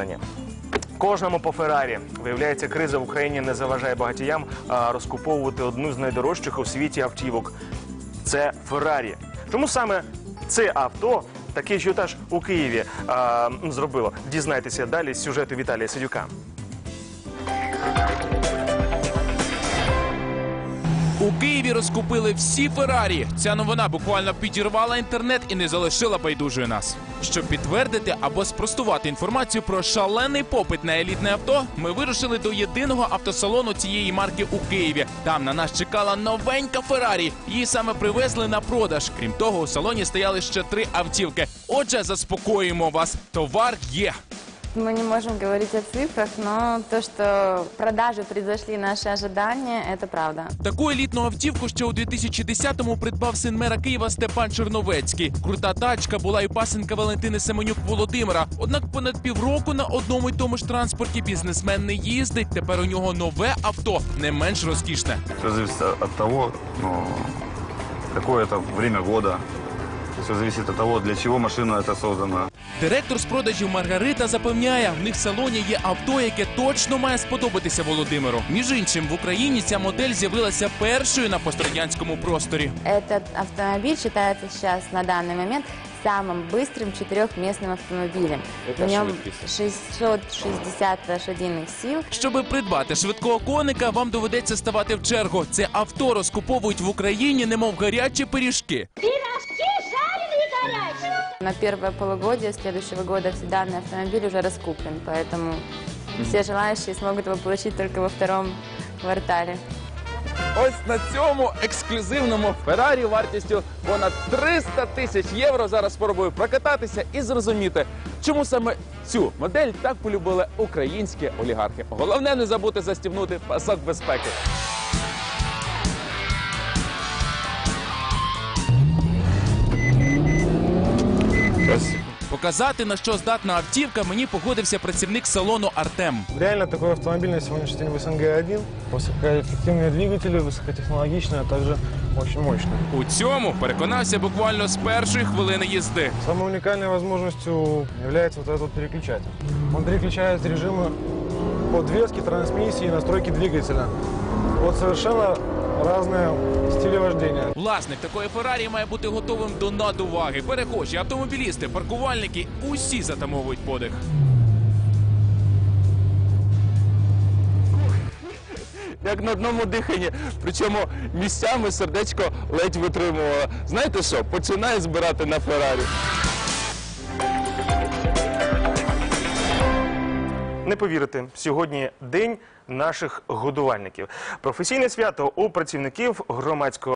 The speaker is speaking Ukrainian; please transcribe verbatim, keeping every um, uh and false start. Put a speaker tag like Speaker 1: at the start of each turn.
Speaker 1: об'єднання. Кожному по Феррарі. Виявляється, криза в Україні не заважає багатіям а, розкуповувати одну з найдорожчих у світі автівок. Це Феррарі. Чому саме це авто такий ажіотаж у Києві а, зробило? Дізнайтеся далі з сюжету Віталія Сидюка.
Speaker 2: У Києві розкупили всі Феррарі. Ця новина буквально підірвала інтернет і не залишила байдужою нас. Щоб підтвердити або спростувати інформацію про шалений попит на елітне авто, ми вирушили до єдиного автосалону цієї марки у Києві. Там на нас чекала новенька Феррарі. Її саме привезли на продаж. Крім того, у салоні стояли ще три автівки. Отже, заспокоїмо вас, товар є.
Speaker 3: Мы не можем говорить о цифрах, но то, что продажи превзошли наши ожидания, это правда.
Speaker 2: Таку елітну автівку ще у дві тисячі десятому придбав син мера Києва Степан Черновецький. Крута тачка була і пасенка Валентини Семенюк Володимира. Однак понад півроку на одному й тому ж транспорті бізнесмен не їздить. Тепер у нього нове авто, не менш розкішне.
Speaker 4: Все зависит от того, ну, какое это время года. Все зависит от того, для чего машина это создана.
Speaker 2: Директор з продажів Маргарита запевняє, в них в салоні є авто, яке точно має сподобатися Володимиру. Між іншим, в Україні ця модель з'явилася першою на пострадянському просторі.
Speaker 3: Этот автомобиль считается сейчас на данный момент самым быстрым четырехместным автомобилем. В нем шестьсот шестьдесят лошадиных сил.
Speaker 2: Щоби придбати швидкого коника, вам доведеться ставати в чергу. Це авто розкуповують в Україні, немов гарячі пиріжки.
Speaker 3: На первое полугодие следующего года данный автомобиль уже раскуплен, поэтому все желающие смогут его получить только во втором квартале.
Speaker 2: Ось на цьому ексклюзивному Феррарі вартістю понад триста тисяч євро зараз спробую прокататися і зрозуміти, чому саме цю модель так полюбили українські олігархи. Головне не забути застібнути пасок безпеки. Показати, на що здатна автівка, мені погодився працівник салону Артем.
Speaker 5: Реально такой автомобиль на сегодняшний день в СНГ один. Высокоэффективные двигатели, высокотехнологичные, а также очень мощные.
Speaker 2: У цьому переконався буквально з першої хвилини їзди.
Speaker 5: Самой уникальной возможностью является вот этот вот переключатель. Он переключает режимы подвески, трансмиссии и настройки двигателя. Вот совершенно разные стили вождения.
Speaker 2: Власник такої Феррарі має бути готовим до надуваги. Перехожі, автомобілісти, паркувальники – усі затамовують подих. Як на одному диханні, причому місцями сердечко ледь витримувало. Знаєте що, починає збирати на Феррарі.
Speaker 1: Не повірите, сьогодні день наших годувальників. Професійне свято у працівників громадського